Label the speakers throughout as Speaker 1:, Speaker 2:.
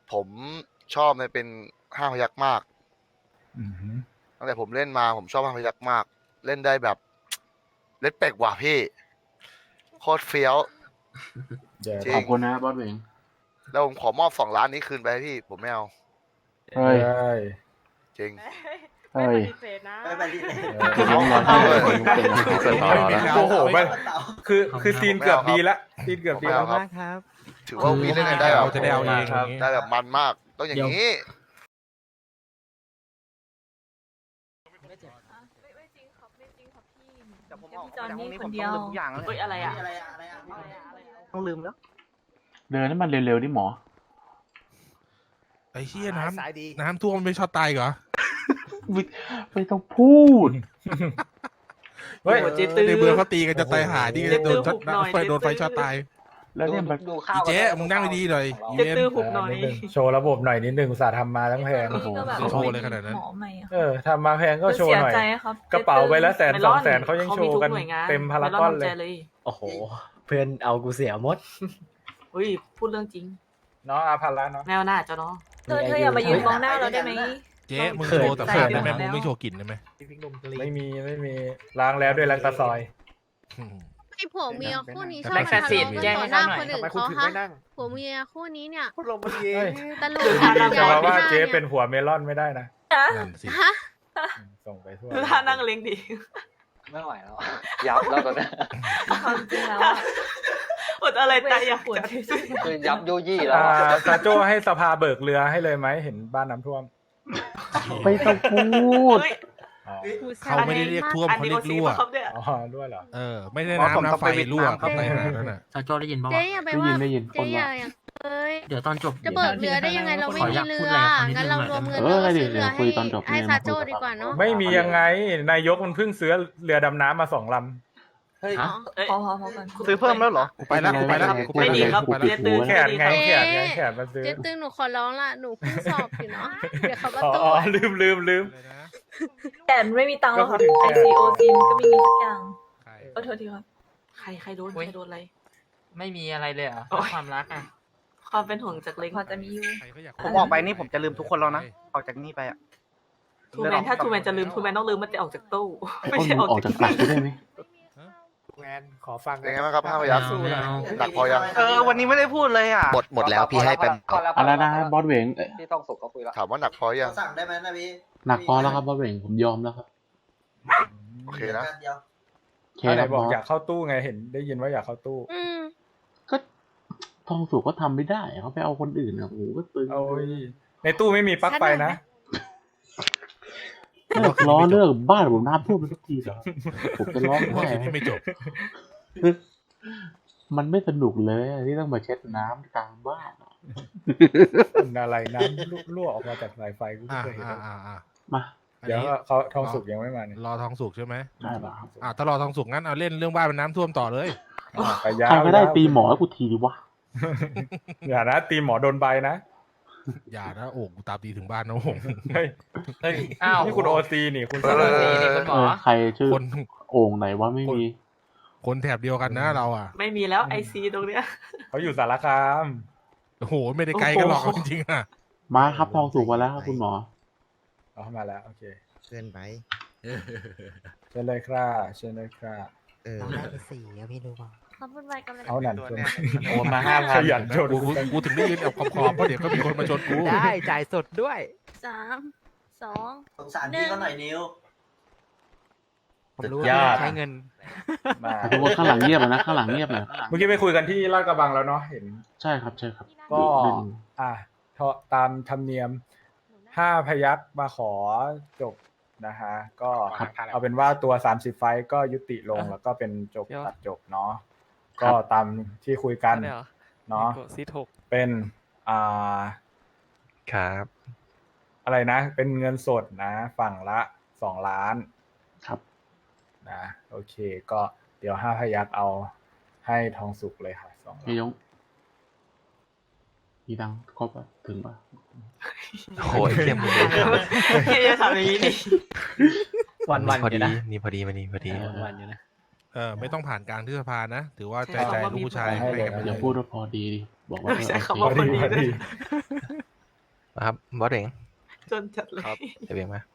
Speaker 1: ผมชอบมันเป็นห้าพยัคฆ์มาก
Speaker 2: อือหือ
Speaker 1: ตั้งแต่ผมเล่นมาผมชอบห้าพยัคฆ์มาก เล่นได้แบบเล่นเป็กว่ะพี่โคตรเฟี้ยว
Speaker 2: เดี๋ยว
Speaker 1: จริ
Speaker 3: ขอบคุณนะบอสเวง
Speaker 1: แล้วผมขอมอบ2 ล้านนี้คืนไปให้พี่ผมไม่เอา
Speaker 3: เฮ้ย
Speaker 2: ได้
Speaker 1: จริง
Speaker 3: เฮ้ย
Speaker 4: ไม่ปฏิเสธนะ
Speaker 5: ไม่ปฏิเสธ
Speaker 3: คือน้องรอที่เลยเป็นนะ
Speaker 2: โอ้โหมันคือซีนเกือบดีละซีนเกือบดี
Speaker 1: ข
Speaker 2: แล้
Speaker 1: อบ
Speaker 2: ว
Speaker 1: คุณครับ ถือว่าวีเล่นกันได้แบบ
Speaker 6: จะได้เอาเอง
Speaker 2: ครับ
Speaker 1: ได้แบบมันมากต้องอย่างนี้
Speaker 4: ไม่จริงครับไม่จริงครับพี่
Speaker 5: แต่ผม
Speaker 4: เดี๋ยว
Speaker 5: ออก
Speaker 4: พี่จอน
Speaker 5: จากห้
Speaker 4: นี่
Speaker 5: องนี้
Speaker 4: ค
Speaker 5: ผม
Speaker 4: นเดี
Speaker 5: ต้
Speaker 4: ย
Speaker 5: อง
Speaker 4: ว
Speaker 5: ลืมทุกอย่างแล้ว
Speaker 4: เฮ้ยอะไรอ่ะ
Speaker 5: อะไรต้องลืมแล้ว
Speaker 3: เดินให้มันเร็วๆดิหมอ
Speaker 6: ไอ้เชี่ยน้
Speaker 5: สายดี
Speaker 6: ำน้ำท่วมไม่ชอบตายเหรอ
Speaker 3: ไม่ต้องพูด
Speaker 2: เฮ้ย
Speaker 6: ในเมืองเขาตีกันจะตายหาที่จะโดนช็อตโดนไฟช็อตตาย
Speaker 3: แล้วเนี่ยมัน
Speaker 5: ดูข้า
Speaker 6: อี
Speaker 5: ว
Speaker 6: เจ๊มึงนั่งดีๆหน่อยอี
Speaker 4: จะ
Speaker 6: เวน
Speaker 4: ตื้อหุบหน่อย
Speaker 2: นิดนึงโชว์ระบบหน่อยนิดนึงอุตสาห์ทำมาทั้งแพง
Speaker 3: โอ้โห
Speaker 6: โชว์เลยขนาดนั้น
Speaker 4: หมอใหม่อะ
Speaker 2: ทำมาแพงก็โชว์หน่อย
Speaker 4: เสียใจครับ
Speaker 2: กระเป๋าใบละ100,000
Speaker 4: เมลอน
Speaker 2: 200,000เขายังโชว์กัน
Speaker 4: ขามีทุหอยง
Speaker 2: เต็มพารากอนเลย
Speaker 4: มลย
Speaker 7: โอ้โห เพื่อนเอากูเสียหมด
Speaker 4: เฮ้ยพูดเรื่องจริง
Speaker 2: เนาะอาพันละเนาะ
Speaker 4: แนวหน้าเจ้าเนาะเธออย่ามายืนมองหน้าเราได้ไหม
Speaker 6: เจ๊มึงโชว์แต่เพื่อนได้ไหม
Speaker 4: เขิน
Speaker 6: มึงไม่โชว์กลิ่นได้ไหม
Speaker 2: ไม่มีล้างแล้วด้วยล้างตาซอย
Speaker 8: ไอผัวเมียคู่นี้ชอบ
Speaker 5: แบ็กแฟ
Speaker 8: มา
Speaker 5: ซี
Speaker 8: ทะ
Speaker 5: ดแจ้ง
Speaker 8: เลาะ
Speaker 5: ให้
Speaker 8: กันต่อหน้าคนอื่น
Speaker 5: เขาหน่อยทำไมคุณ
Speaker 8: เขา
Speaker 5: ถึง
Speaker 8: ฮะ
Speaker 5: ไม่นั่ง
Speaker 8: ผัวเมียคู่นี้เนี่ย
Speaker 5: คุณลงมาเอง
Speaker 8: ตลก
Speaker 2: จะมาว่าเจ๊
Speaker 8: ย
Speaker 2: เป็นผัวเมลอนไม่ได้นะ
Speaker 6: นั่นสิ
Speaker 8: ฮะ
Speaker 2: ส่งไปทั่ว
Speaker 4: ท่านั่งเล้งดี
Speaker 5: ไม่ไหวแล้วยับแล้วตอนนี้
Speaker 4: ความจริงแล้วอดอะไรตายอยากปวด
Speaker 5: คือยับโยยี่แล้ว
Speaker 2: ซาโจให้สภาเบิกเรือให้เลยไหมเห็นบ้านน้ำท่วม
Speaker 3: ไม่ต้องพูด
Speaker 2: อ๋อ
Speaker 6: เขาไม่ได้เรียกท่วมเขาเรียกรั่ว
Speaker 2: อ๋อด้วยเหรอ
Speaker 6: ไม่ได้น้ำไฟรั่วเข้าไปขนาดนั้นน่ะ
Speaker 7: ซาโจได้ยินป่าว
Speaker 8: เจ๊อย่าไปว่า
Speaker 3: ได้ยินค
Speaker 8: เจ๊
Speaker 3: น
Speaker 8: อย่า
Speaker 3: ว่า
Speaker 8: อย่างเอ้ย
Speaker 7: เดี๋ยวตอนจบ
Speaker 8: จะเบิกเรือได้ยังไงเราไม่มีเรืองั้นเรารวมเงิน
Speaker 3: เอ
Speaker 8: แล้ว
Speaker 3: อ
Speaker 8: ก็
Speaker 3: เดี๋
Speaker 8: ซื้
Speaker 3: ยว
Speaker 8: อเรือ
Speaker 3: คุยตอนจบ
Speaker 8: ให้ซาโจดีกว่าเนาะ
Speaker 2: ไม่มียังไงนายกมันเพิ่งซื้อเรือดำน้ำมา2 ลำ
Speaker 5: เฮ้ย
Speaker 4: พอกัน
Speaker 5: ซื้อเพิ่มแล้วเหรอ
Speaker 6: กูไปแล้วกูไปแล้วกูไป
Speaker 4: ไม่ดี
Speaker 6: แล้ว
Speaker 4: ครับ
Speaker 3: กูปิดหู
Speaker 2: แข
Speaker 3: แล้ว
Speaker 2: นไงแขนมันซื้อ
Speaker 8: เจ๊ตึงหนูขอร้องละหนูเพิ่งสอบอยู่เนาะเดี๋ยวเขาก็
Speaker 2: อ๋
Speaker 8: ตู้
Speaker 2: อลืม
Speaker 4: แต่ไม่มีตังค์หรอกครับ
Speaker 2: ก็พูดถึงแขน
Speaker 4: ICOC ก็ไม่มีสักอย่างก็โทษทีครับใครโดนอะไร
Speaker 7: ไม่มีอะไรเลยเหรอความรักอ่ะ
Speaker 4: ความเป็นห่วงจากเล็กพอจะมีอยู่
Speaker 5: ผมออกไปนี่ผมจะลืมทุกคนแล้วนะ ออกจากนี่ไปอ่ะ
Speaker 4: ทูแมนถ้าทูแมนจะลืมทูแมนต้องลืมมันจะออกจากตู้
Speaker 3: ไอ้
Speaker 4: ไม่
Speaker 3: อ้น
Speaker 4: ใช่
Speaker 3: มึ
Speaker 4: อง อก
Speaker 3: ออก
Speaker 4: จาก
Speaker 3: จากปากกูได้ไหม
Speaker 2: แมนขอฟัง
Speaker 1: เป็นไงบ้างครับห้าพยัคฆ์
Speaker 7: สู้นะ
Speaker 1: หนักพอยัง
Speaker 5: วันนี้ไม่ได้พูดเลยอ่ะ
Speaker 9: หมดแล้วพี่ให้เป็น
Speaker 3: อะไรนะบอสเวง
Speaker 5: พี่ต้องสุกเขาคุยแล้ว
Speaker 1: ถามว่าหนักพอยัง
Speaker 5: สั่งได้ไหมนะพี่
Speaker 3: หนักพอแล้วครับบอสเวงผมยอมแล้วครับ
Speaker 1: โอเคนะ
Speaker 3: โอเค
Speaker 2: ไหน
Speaker 3: ครับ
Speaker 2: บอก
Speaker 3: บอส
Speaker 2: อยากเข้าตู้ไงเห็นได้ยินว่าอยากเข้าตู้
Speaker 8: อืม
Speaker 3: ก็ทองสุกก็ทำไม่ได้เขาไปเอาคนอื่นอ่ะโอ้โหก็ตึง
Speaker 2: โอ้ยในตู้ไม่มีปลั๊กไฟนะ
Speaker 3: เลิกล้อเลิกบ้านผมน้ำท่วมไปทุกทีเหรอผมจะร้อง
Speaker 6: ว่า
Speaker 3: ไห้
Speaker 6: คลิปนี้ไม่จบ
Speaker 3: มันไม่สนุกเลยที่ต้องมาเช็ดน้ำกลางบ้านอะ
Speaker 2: เป็นอะไรน้ำรั่วออกมาจากสายไฟกูไม่
Speaker 6: อ่า
Speaker 2: เคยเห็น
Speaker 3: มา
Speaker 2: เดี๋ยวเขาทองสุกยังไม่มาเนี่ย
Speaker 6: รอทองสุกใช่ไหม
Speaker 3: ได้ป่ะครับ
Speaker 6: ถ้ารอทองสุกงั้นเอาเล่นเรื่องบ้านเป็นน้ำท่วมต่อเลย
Speaker 2: ไปยา
Speaker 3: ใคร
Speaker 2: ว
Speaker 3: ก็ได้ตีหมอให้กูทีดิวะ
Speaker 2: อย่านะตีหมอโดนใบนะ
Speaker 6: อย่านะโอ้กูตามตีถึงบ้านนะโอ้โห
Speaker 2: เฮ้ย
Speaker 7: อ้าว
Speaker 2: นี่คุณโอซีนี่คุณ
Speaker 6: เออ
Speaker 7: นี่คุณหมอ
Speaker 3: ใครชื่อ
Speaker 6: คน
Speaker 3: โอ่งไหนว่าไม่มี
Speaker 6: คนแถบเดียวกันนะเราอ่ะ
Speaker 4: ไม่มีแล้ว IC ตรงเนี้ย
Speaker 2: เขาอยู่สารคาม
Speaker 6: โอ้โหไม่ได้ไกลกันหรอกจริงๆอ่ะ
Speaker 3: มาครับทองสุกมาแล้วครับคุณหมอ
Speaker 2: เอาเข้ามาแล้วโอเค
Speaker 9: เกินไป
Speaker 2: เชิญเลยครับเชิญเลยครับ
Speaker 9: เราได้ไป4อะพี่รู้เปล่า
Speaker 8: ขอบคุณไว้กันเลย
Speaker 2: เอาหนันคน
Speaker 7: โอนมา
Speaker 2: ขยันโจน
Speaker 6: กูถึงได้ยืนเอาขอบๆเพราะเดี๋ยวก็มีคนมาชนกู
Speaker 9: ได้จ่ายสดด้วย
Speaker 8: 3 2
Speaker 5: สงสารพี่เขาหน่อยนิ้ว
Speaker 9: ผมรู้
Speaker 7: ยอ
Speaker 9: ว่า
Speaker 7: ด
Speaker 9: ใช้เงิน
Speaker 2: มา
Speaker 3: แต่ทุกคนข้างหลังเงียบอะนะข้างหลังเงียบเลย
Speaker 2: เมื่อกี้ไปคุยกันที่ลาดกระบังแล้วเนาะเห็น
Speaker 3: ใช่ครับใช่ครับ
Speaker 2: ก็
Speaker 3: ดึง
Speaker 2: ตามธรรมเนียม5 พยัคฆ์มาขอจบนะฮะก็เอาเป็นว่าตัว30 ไฟต์ก็ยุติลงแล้วก็เป็นจบตัดจบเนาะก็ตามที่คุยกันเนาะเป็น
Speaker 9: ครับ
Speaker 2: อะไรนะ เป็นเงินสดนะ ฝั่งละ2 ล้าน
Speaker 3: ครับ
Speaker 2: นะโอเคก็เดี๋ยว5 พยัคฆ์เอาให้ทองสุกเลยค่ะ2 ล้าน
Speaker 3: พี่ยงมีตังค์ครบปะถึงปะ
Speaker 9: โอ้ยเข้มเลย
Speaker 4: ที่จะทำอย่างนี้นี่
Speaker 7: วันๆ
Speaker 9: พอ
Speaker 7: อยู่
Speaker 9: ดี
Speaker 7: นะ
Speaker 9: นี่พอดีมานี่พอดี
Speaker 7: วันๆอยู่นะ
Speaker 6: ไม่ต้องผ่านการที่สภานะ ถือว่าใจลูกผู้ชาย
Speaker 2: ให้เลย
Speaker 3: อย่าพูดว่าพอดีดิบอกว่า
Speaker 4: ใช้
Speaker 3: โอ
Speaker 4: คำว่า
Speaker 3: เค
Speaker 4: พอดี
Speaker 2: พอดี
Speaker 9: ครับบอสเอง
Speaker 4: จนจัดเลย
Speaker 1: ครับ
Speaker 9: เดี๋ยวเองมา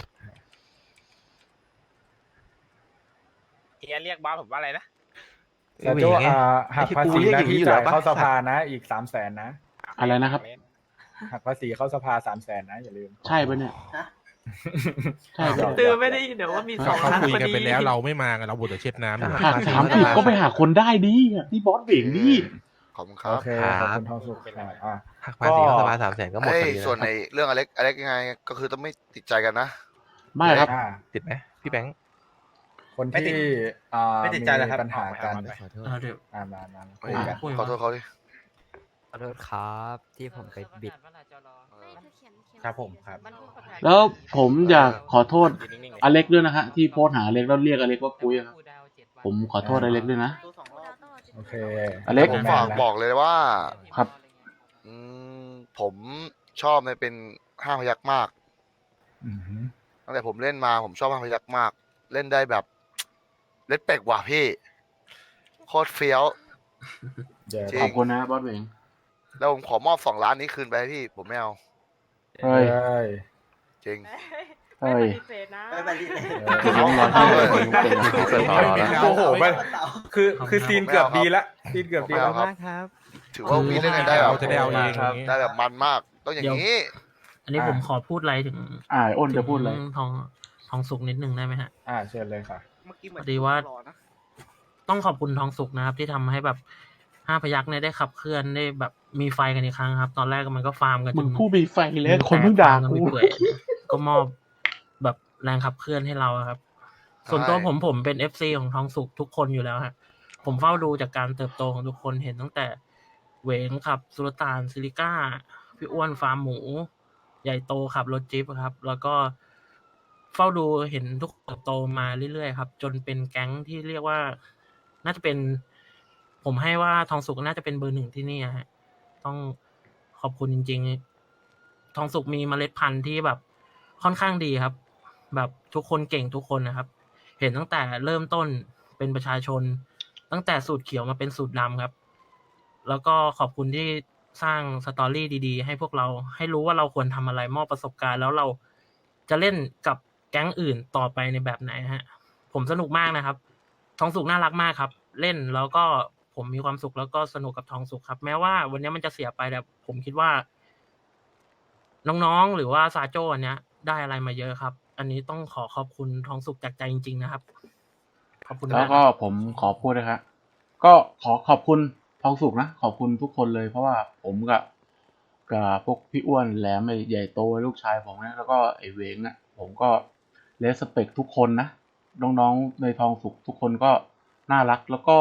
Speaker 10: เฮียเรียกบอสผมว่าอะไรนะ
Speaker 2: แต่โจ้หักภาษีนะที่จ่ายเข้าสภานะอีก300,000นะ
Speaker 3: อะไรนะครับ
Speaker 2: หักภาษีเข้าสภา300,000นะอย่าลืม
Speaker 3: ใช่ปะเนี่ย ใช่ปะ
Speaker 4: ตือไม่ได้ยินเดี๋ยวว่ามีสอง
Speaker 6: เขา
Speaker 4: ครั้ง
Speaker 6: คุย
Speaker 4: พอ
Speaker 6: กัน
Speaker 4: ดี
Speaker 6: ไปแล้วเราไม่มากันเราบวชแต่เช็ดน้ำอยู่
Speaker 3: หัก30ก็ไปหาคนได้ดิที่บอสเบ่งดิ
Speaker 1: ขอบคุณครั
Speaker 2: โอบ เคขอบคุณทองสุขอ่ะ
Speaker 9: หักภาษีเข้าสภา300,000ก็หมด
Speaker 1: เอ้
Speaker 9: พ
Speaker 1: ย
Speaker 9: อดี
Speaker 1: ส่วน
Speaker 9: นะ
Speaker 1: ในเรื่องอเล็กยังไงก็คือต้องไม่ติดใจกันนะ
Speaker 3: ไม่ครับ
Speaker 2: อ่า
Speaker 9: ติดไหมพี่แบงค์
Speaker 2: คนที่
Speaker 5: ไม่ติดใจเลยครับ
Speaker 2: ปัญหากัน
Speaker 7: เดี๋ยว
Speaker 2: มาคุยกัน
Speaker 1: ขอโทษเขาดิ
Speaker 9: ขอโทษครับที่ผมไปบิด
Speaker 5: ครับผมครับ
Speaker 3: แล้วผมอยากขอโทษอเล็กด้วยนะฮะที่โพสต์หาอเล็กแล้วเรียกอเล็กว่าปุ้ยครับผมขอโทษอเล็กด้วยนะ
Speaker 2: โอเค
Speaker 3: อเล็ก
Speaker 1: ผมฝากบอกเลยว่า
Speaker 3: ครับ
Speaker 1: อืมผมชอบในเป็น5 พยัคฆ์มาก
Speaker 2: อือหือ
Speaker 1: ตั้งแต่ผมเล่นมาผมชอบ5 พยัคฆ์มาก เล่นได้แบบ เล่นเป็กว่ะพี่ โคตรเฟี้ยว
Speaker 2: เดี๋ยว
Speaker 1: จริ
Speaker 3: ขอบคุณนะบอสเบ่ง
Speaker 1: แล้วผมขอมอบ2 ล้านนี้คืนไปให้พี่ ผมไม่เอา
Speaker 3: เฮ้ย
Speaker 2: เฮ้ย
Speaker 1: จริง
Speaker 3: เฮ้ย
Speaker 4: ไม่ปฏิเสธนะ
Speaker 3: คือน้องรอที่เลยเป็นนะ
Speaker 9: เปิดต่อแล้ว
Speaker 2: โอ้โหมันคือซีนเกือบดีละซีนเกือบดี
Speaker 1: ไม่
Speaker 2: แล้
Speaker 1: เอา
Speaker 2: ว
Speaker 1: ครับ ถือว่าวีเล่นกันได้แบ
Speaker 6: เรา
Speaker 1: บ
Speaker 6: จะได้เอาเองอย่างงี้
Speaker 1: ได้แบบมันมาก ต้องอย่างนี้
Speaker 7: อันนี้ผมขอพูดอะไรถึง
Speaker 3: อ้นจะพูดอะไร
Speaker 7: ถึงทองสุกนิดนึงได้ไหมฮะ
Speaker 2: เชิญเลยค่ะ
Speaker 5: เมื่อกี้เหมือน
Speaker 7: พอดีว่า ต้องขอบคุณทองสุกนะครับ ที่ทำให้แบบ5 พยัคฆ์เนี่ยได้ขับเคลื่อนได้แบบมีไฟกันอีกครั้งครับ ตอนแรกมันก็ฟาร์มกันจ
Speaker 3: มึง
Speaker 7: น
Speaker 3: ผู้มีไฟแล้วคนเพิ่งด่า
Speaker 7: กัน
Speaker 3: กู
Speaker 7: ไปเปื่อยก็มอบแบบแรงขับเคลื่อนให้เราอะครับ ส่วนตัวผมเป็น FC ของทองสุกทุกคนอยู่แล้วฮะผมเฝ้าดูจากการเติบโตของทุกคนเห็นตั้งแต่เหวงขับสุลต่านซิลิก้าพี่อ้วนฟาร์มหมู ใหญ่โตขับรถจิ๊บครับ แล้วก็เฝ้าดูเห็นทุกเติบโตมาเรื่อยๆครับ จนเป็นแก๊งที่เรียกว่า น่าจะเป็น ผมให้ว่าทองสุกน่าจะเป็นเบอร์ 1ที่นี่ฮะต้องขอบคุณจริงๆ ทองสุกมีเมล็ดพันธุ์ที่แบบค่อนข้างดีครับ แบบทุกคนเก่งทุกคนนะครับ เห็นตั้งแต่เริ่มต้นเป็นประชาชน ตั้งแต่สูตรเขียวมาเป็นสูตรดำครับ แล้วก็ขอบคุณที่สร้างสตอรี่ดีๆ ให้พวกเราให้รู้ว่าเราควรทำอะไรมอบประสบการณ์ แล้วเราจะเล่นกับแก๊งอื่นต่อไปในแบบไหนฮะ ผมสนุกมากนะครับ ทองสุกน่ารักมากครับ เล่นแล้วก็ผมมีความสุขแล้วก็สนุกกับทองสุกครับ แม้ว่าวันนี้มันจะเสียไปแต่ผมคิดว่า น้องๆหรือว่าซาโจ้อันเนี้ย ได้อะไรมาเยอะครับ อันนี้ต้องขอขอบคุณทองสุกจากใจจริงๆนะครับ ขอบคุณ
Speaker 3: แล้ว
Speaker 7: มาก
Speaker 3: ก็ผมขอพูดนะครับก็ขอขอบคุณทองสุกนะขอบคุณทุกคนเลย เพราะว่าผมกับพวกพี่อ้วนแหลมไอ้ใหญ่โตลูกชายผมนะแล้วก็ไอ้เวงนะผมก็เลสเปคทุกคนนะน้องๆในทองสุกทุกคนก็น่ารักแล้วก็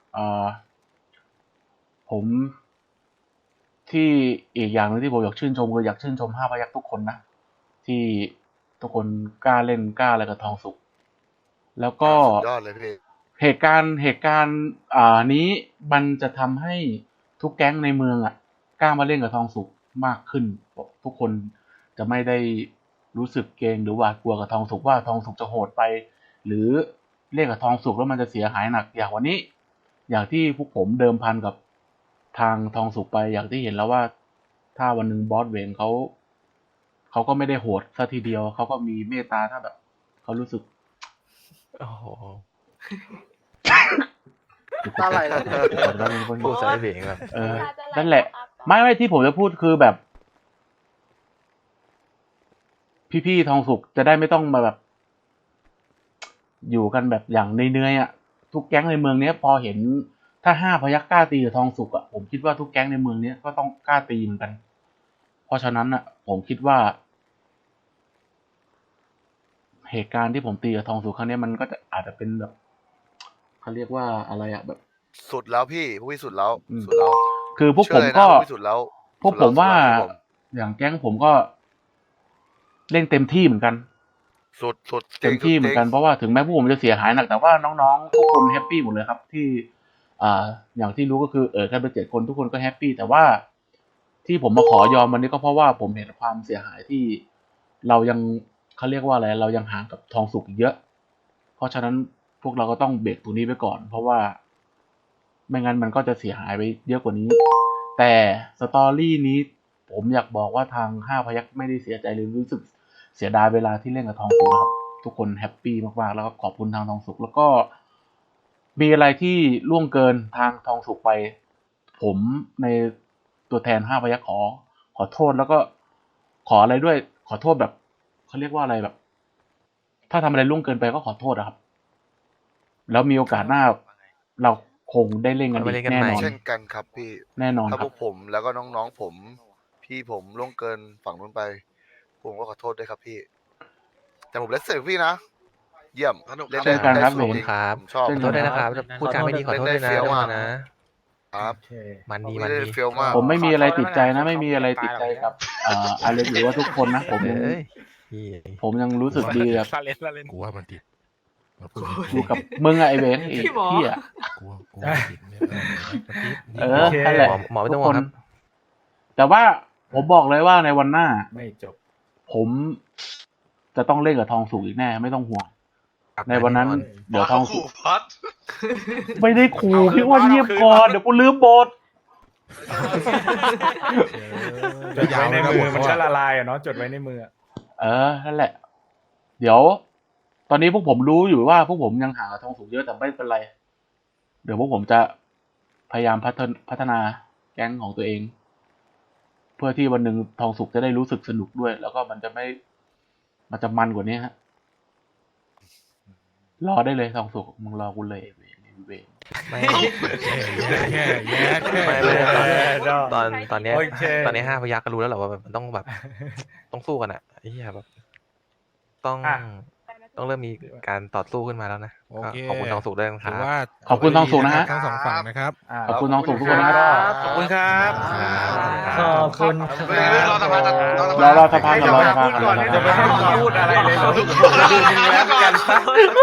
Speaker 3: ผมที่อีกอย่างหนึงที่ผมอยากชื่นชมคืออยากชื่นชม5 พยัคฆ์ทุกคนนะที่ทุกคนกล้าเล่นกล้าอะไรกับทองสุกแล้วก็
Speaker 1: สุดยอดเลยพี่
Speaker 3: เหตุการณ์นี้มันจะทำให้ทุกแก๊งในเมืองกล้ามาเล่นกับทองสุกมากขึ้นทุกคนจะไม่ได้รู้สึกเกรงหรือหวาดกลัวกับทองสุกว่าทองสุกจะโหดไป หรือเล่นกับทองสุกแล้วมันจะเสียหายหนักอย่างวันนี้ อย่างที่พวกผมเดิมพันกับทางทองสุกไปอย่างที่เห็นแล้วว่า ถ้าวันหนึ่งบอสเวนเขาก็ไม่ได้โหดซะทีเดียวเขาก็มีเมตตาถ้าแบบเขารู้สึก
Speaker 9: โอ้โห
Speaker 1: อะไรล่ะ
Speaker 9: พูดใส่เสียงแบบ
Speaker 3: นั่นแหละ ไม่ที่ผมจะพูดคือแบบ พี่ๆทองสุกจะได้ไม่ต้องมาแบบ อยู่กันแบบอย่างเนื่อยทุกแก๊งในเมืองเนี้ยพอเห็นถ้า5 พยัคฆ์กล้าตีกับทองสุกผมคิดว่าทุกแก๊งในเมืองเนี้ยก็ต้องกล้าตีเหมือนกัน เพราะฉะนั้นผมคิดว่า เหตุการณ์ที่ผมตีกับทองสุกครั้งนี้มันก็จะอาจจะเป็นแบบเขาเรียกว่าอะไรแบบ
Speaker 1: สุดแล้วพี่พวกพี่สุดแล้ว
Speaker 3: อืม
Speaker 1: สุดแล้ว
Speaker 3: คือพวกผมก็
Speaker 1: เชื่อเลยนะพวกพี่สุดแล้ว
Speaker 3: พวกผมว่า
Speaker 1: สุดแล้ว
Speaker 3: อย่างแก๊งผมก็เล่นเต็มที่เหมือนกัน
Speaker 1: สุดสุด
Speaker 3: เต็มที่เหมือนกันเพราะว่าถึงแม้พวกผมจะเสียหายหนักแต่ว่าน้องๆทุกคนแฮปปี้หมดเลยครับ ที่อย่างที่รู้ก็คือแค่เป็น7 คนทุกคนก็แฮปปี้แต่ว่าที่ผมมาขอยอมวันนี้ก็เพราะว่าผมเห็นความเสียหายที่เรายังเขาเรียกว่าอะไรเรายังห่างกับทองสุกอีกเยอะ เพราะฉะนั้นพวกเราก็ต้องเบรกตรงนี้ไปก่อน เพราะว่าไม่งั้นมันก็จะเสียหายไปเยอะกว่านี้ แต่สตอรี่นี้ผมอยากบอกว่าทาง5 พยัคฆ์ไม่ได้เสียใจหรือรู้สึกเสียดายเวลาที่เล่นกับทองสุกนะครับทุกคนแฮปปี้มากๆแล้วก็ขอบคุณทางทองสุกแล้วก็มีอะไรที่ล่วงเกินทางทองสุกไป ผมในตัวแทน5 พยัคฆ์ขอโทษแล้วก็ขออะไรด้วยขอโทษแบบเขาเรียกว่าอะไรแบบ ถ้าทำอะไรล่วงเกินไปก็ขอโทษนะครับ แล้วมีโอกาสหน้าเราคงได้เล่นกันอีกแน่นอน
Speaker 1: เช่นกันครับพี่
Speaker 3: แน่นอน
Speaker 1: ถ้า
Speaker 3: ค
Speaker 1: พ
Speaker 3: รั
Speaker 1: ว
Speaker 3: บ
Speaker 1: กผมแล้วก็น้องๆผม พี่ผมล่วงเกินฝั่งนู้นไป ผมก็ขอโทษด้วยครับพี่ แต่ผมเล่นเสร็จพี่นะ เยี่ยมเล่น
Speaker 3: เช่นกันครับ
Speaker 1: ได้สนุก
Speaker 3: ผม
Speaker 1: ดี
Speaker 9: ครับ
Speaker 1: ผมชอบ
Speaker 3: เช่น
Speaker 9: ขอ
Speaker 3: กั
Speaker 9: โทษด้วยนะครับพูดจาไม่ดีขอโทษด้วยนะ
Speaker 1: เล่นได้เฟี้ยวมาก
Speaker 9: นะครับ
Speaker 2: โอเค
Speaker 9: มันดี
Speaker 1: ไม่
Speaker 9: มัน
Speaker 1: ได้
Speaker 9: ดี
Speaker 1: เฟี้ยวมาก
Speaker 3: ผมไม่มีอะไรติดใจนะ ไม่มีอะไรติดใจกับอเล็กหรือว่าทุกคนนะ ผมยัง
Speaker 9: เอ้ยพี่
Speaker 3: ผมยังรู้สึกดีกับ
Speaker 6: กูว่ามันติดมันพูด
Speaker 3: อยู่กับมึงอะไอเวนไอ้
Speaker 4: พี่หมอ
Speaker 3: เหี้ย
Speaker 6: กูว่ามันติดเนี่ยมันติด
Speaker 3: เออนั่นแหละ
Speaker 9: หมอไม่ต้องห่วงครับ
Speaker 3: แต่ว่าผมบอกเลยว่าในวันหน้า
Speaker 2: ไม่จบ
Speaker 3: ผมจะต้องเล่นกับทองสุกอีกแน่ไม่ต้องห่วง ในวันนั้น เดี๋ยวทองสุกไม่ได้ขู่พี่อ้วนเงียบก่อนเดี๋ยวกูลืมบท
Speaker 2: จดไว้ในมือมันก็ละลายอะเนาะจดไว้ในมืออะ
Speaker 3: นั่นแหละ เดี๋ยว ตอนนี้พวกผมรู้อยู่ว่าพวกผมยังหาทองสุกเยอะแต่ไม่เป็นไร เดี๋ยวพวกผมจะพยายามพัฒนาแก๊งของตัวเอง เพื่อที่วันหนึ่งทองสุกจะได้รู้สึกสนุกด้วย แล้วก็มันจะมันกว่านี้ฮะ รอได้เลยทองสุกมึงรอกูเลยเวง
Speaker 9: ไม่
Speaker 6: แย่
Speaker 9: ตอนเนี้ย
Speaker 2: โอเค
Speaker 9: ตอนนี้5 พยัคฆ์ก็รู้แล้วแหละว่ามันต้องแบบ ต้องสู้กันอ่ะไอ้เหี้ยแบบต้อง
Speaker 2: อ่ะ
Speaker 9: ต้องเริ่มมีการต่อสู้ขึ้นมาแล้วนะ
Speaker 6: โอ
Speaker 9: ก็
Speaker 6: เค
Speaker 9: ขอบคุณทองสุกด้วยนะค
Speaker 6: ถื
Speaker 9: รั
Speaker 6: อบ ว่า
Speaker 3: ขอบคุณทองสุกนะฮะ
Speaker 6: ทั้งสองฝั่งนะครับ
Speaker 2: อ่า
Speaker 3: ขอบคุณทองสุกทุกคนนะครับ
Speaker 5: ขอบคุณครับ
Speaker 7: ขอบคุณ
Speaker 5: รอสภาก่อน
Speaker 3: รอสภาก่อนรอสภาก่อน
Speaker 2: จะไม่ให้มึงพูดอะไรเลยเหรอดูมึงแล้วกันซะ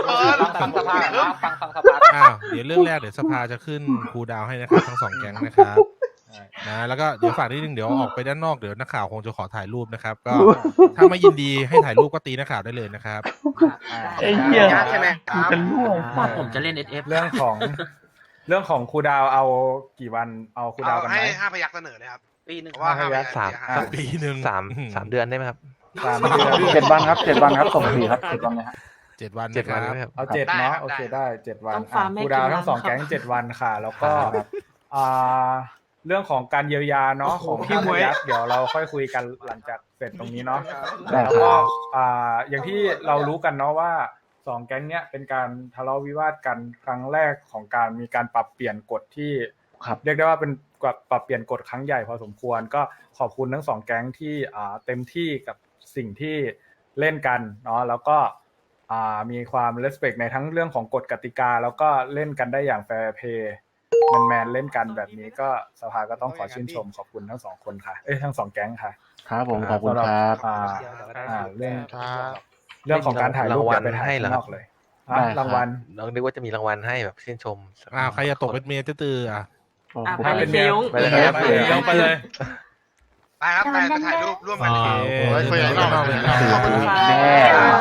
Speaker 6: อ้าวเดี๋ยวเรื่องแรกเดี๋ยวสภาจะขึ้นคูลดาวน์ให้นะครับทั้งสองแก๊งนะครับนะแล้วก็เดี๋ยวฝากนิดนึงเดี๋ยวออกไปด้านนอกเดี๋ยวนักข่าวคงจะขอถ่ายรูปนะครับ ก็ถ้าไม่ยินดีให้ถ่ายรูปก็ตีนักข่าวได้เลยนะครับ
Speaker 3: ไอ้เหี้ย
Speaker 5: ใช่ไหม
Speaker 3: กูจะล่วง
Speaker 7: ว่าผมจะเล่น SF
Speaker 2: เรื่องของครูดาวเอากี่วันเอาครูดาวกันไหม
Speaker 10: ให้5 พยัคฆ์เสนอเลยครับ
Speaker 5: ปีหนึ่ง
Speaker 10: เพราะว่า
Speaker 2: 5 พยัคฆ์
Speaker 9: สาม
Speaker 6: สักปีหนึ่ง
Speaker 9: สามเดือนได้ไหมครับ
Speaker 2: 3 เดือน
Speaker 3: 7 วันครับ7 วันครับส่งฟรีครับ7 วันเลยฮะ
Speaker 6: 7 วัน
Speaker 9: 7 วัน
Speaker 6: นะ
Speaker 9: ได้
Speaker 6: ค
Speaker 9: ไหม
Speaker 6: รับ
Speaker 9: ครับ
Speaker 2: เอา7
Speaker 10: ได้
Speaker 2: เนาะ
Speaker 10: ครับ
Speaker 2: โอเค
Speaker 10: ได้
Speaker 2: ได้7 วัน
Speaker 4: ต้องฟาร์มให้
Speaker 2: ครูดาว
Speaker 4: กี่วัน
Speaker 2: ทั้งสอง
Speaker 4: ครับ
Speaker 2: แก๊ง7 วันค่ะ แล้วก็
Speaker 9: ครับ
Speaker 2: อ่าเรื่องของการเยียวยาเนาะของพี่มวยเดี๋ยวเราค่อยคุยกันหลังจากเสร็จตรงนี้เนาะ
Speaker 3: ได้
Speaker 2: แล้ว
Speaker 3: ค
Speaker 2: ก็
Speaker 3: รับ
Speaker 2: อย่างที่เรารู้กันเนาะว่า2แก๊งเนี้ยเป็นการทะเลาะวิวาทกันครั้งแรกของการมีการปรับเปลี่ยนกฎที่
Speaker 3: ครับ
Speaker 2: เรียกได้ว่าเป็นปรับเปลี่ยนกฎครั้งใหญ่พอสมควรก็ขอบคุณทั้ง2แก๊งที่เต็มที่กับสิ่งที่เล่นกันเนาะแล้วก็มีความ respect ในทั้งเรื่องของกฎกติกา แล้วก็เล่นกันได้อย่าง fair play แมนๆเล่นกันแบบนี้ก็สภาก็ต้องขอชื่นชมขอบคุณทั้ง2คนค่ะทั้ง2แก๊งค่ะ
Speaker 3: ครับผมขอบคุณครับ
Speaker 2: เรื่อง
Speaker 1: ครับ
Speaker 2: เรื่องของการถ่ายรูปอย่าไปถ่าย
Speaker 9: ให้เหรอ
Speaker 2: ข้างนอกเลย
Speaker 3: ได้ครับ
Speaker 2: รางวัล
Speaker 9: เรานึกว่าจะมีรางวัลให้แบบชื่นชม
Speaker 6: อ้าวใครจะตกเป็นเมียตื้อๆอ่ะ
Speaker 4: อ่ะ
Speaker 3: ผม
Speaker 4: ไปเลยเคียง
Speaker 9: ไปเลยครับ
Speaker 2: ไปเลย
Speaker 10: ไปครับไปถ่ายรูปร่วมกัน
Speaker 6: โอเค
Speaker 1: ไว้คุยกันนอกเลยนะ
Speaker 4: ขอบคุณค่ะ
Speaker 3: แน่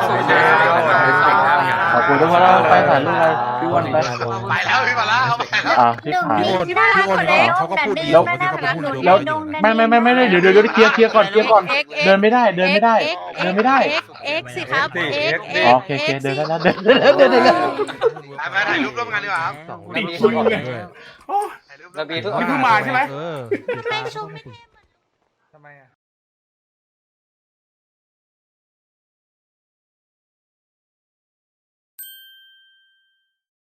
Speaker 3: ขอบคุณทุกคนแล้วไปถ่ายรูปอะไรพี่อ้วันไป
Speaker 10: ไปแล้วพี่มาแล้วเอาไปแล้ว
Speaker 3: พี่ถ่าย
Speaker 6: พี่คนเขาก็พูดดี
Speaker 3: แล้ว
Speaker 6: บางทีเขาก็พูดดี
Speaker 3: แล้วไม่เดี๋ยวเคลียร์ก่อนเดินไม่ได้เดินไม่ได้
Speaker 8: X สิครับ X
Speaker 3: โอเคเดินแล้วเดิน
Speaker 10: ไปถ่ายรูปร่วมกันดีกว่าครับ
Speaker 3: ติดคุยเลย
Speaker 10: ถ่ายรูป
Speaker 5: ระเบียง
Speaker 10: ร่วม
Speaker 5: เพิ่ง
Speaker 10: กัน
Speaker 5: มาใช่ไหม
Speaker 6: เออ
Speaker 8: ไม่ชม
Speaker 2: ทำไมอ่ะ